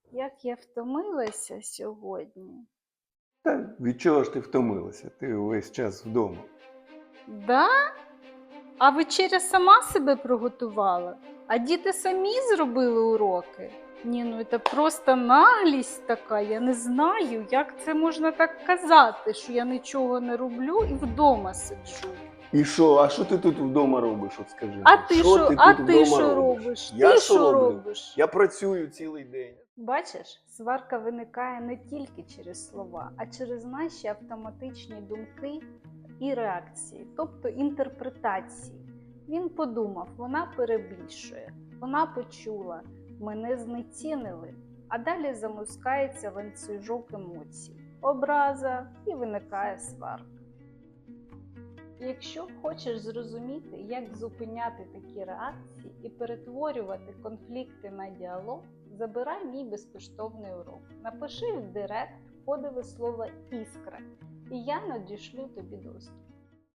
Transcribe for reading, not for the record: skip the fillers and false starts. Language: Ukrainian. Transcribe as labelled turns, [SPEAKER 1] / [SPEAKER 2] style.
[SPEAKER 1] Як я втомилася сьогодні.
[SPEAKER 2] Та від чого ж ти втомилася? Ти увесь час вдома.
[SPEAKER 1] Да? А вечеря сама себе приготувала? А діти самі зробили уроки? Ні, ну це просто наглість така. Я не знаю, як це можна так казати, що я нічого не роблю і вдома сиджу.
[SPEAKER 2] І що? А що ти тут вдома робиш? От скажи.
[SPEAKER 1] А
[SPEAKER 2] мені?
[SPEAKER 1] ти
[SPEAKER 2] Що
[SPEAKER 1] що?
[SPEAKER 2] ти
[SPEAKER 1] А
[SPEAKER 2] тут
[SPEAKER 1] ти
[SPEAKER 2] вдома
[SPEAKER 1] що
[SPEAKER 2] робиш?
[SPEAKER 1] робиш?
[SPEAKER 2] Я
[SPEAKER 1] Ти
[SPEAKER 2] що
[SPEAKER 1] що
[SPEAKER 2] роблю?
[SPEAKER 1] робиш?
[SPEAKER 2] Я працюю цілий день.
[SPEAKER 1] Бачиш, сварка виникає не тільки через слова, а через наші автоматичні думки і реакції, тобто інтерпретації. Він подумав, вона перебільшує, вона почула, мене знецінили, а далі замускається ланцюжок емоцій, образа і виникає сварка. Якщо хочеш зрозуміти, як зупиняти такі реакції і перетворювати конфлікти на діалог, забирай мій безкоштовний урок. Напиши в директ кодове слово «Іскра» і я надішлю тобі доступ.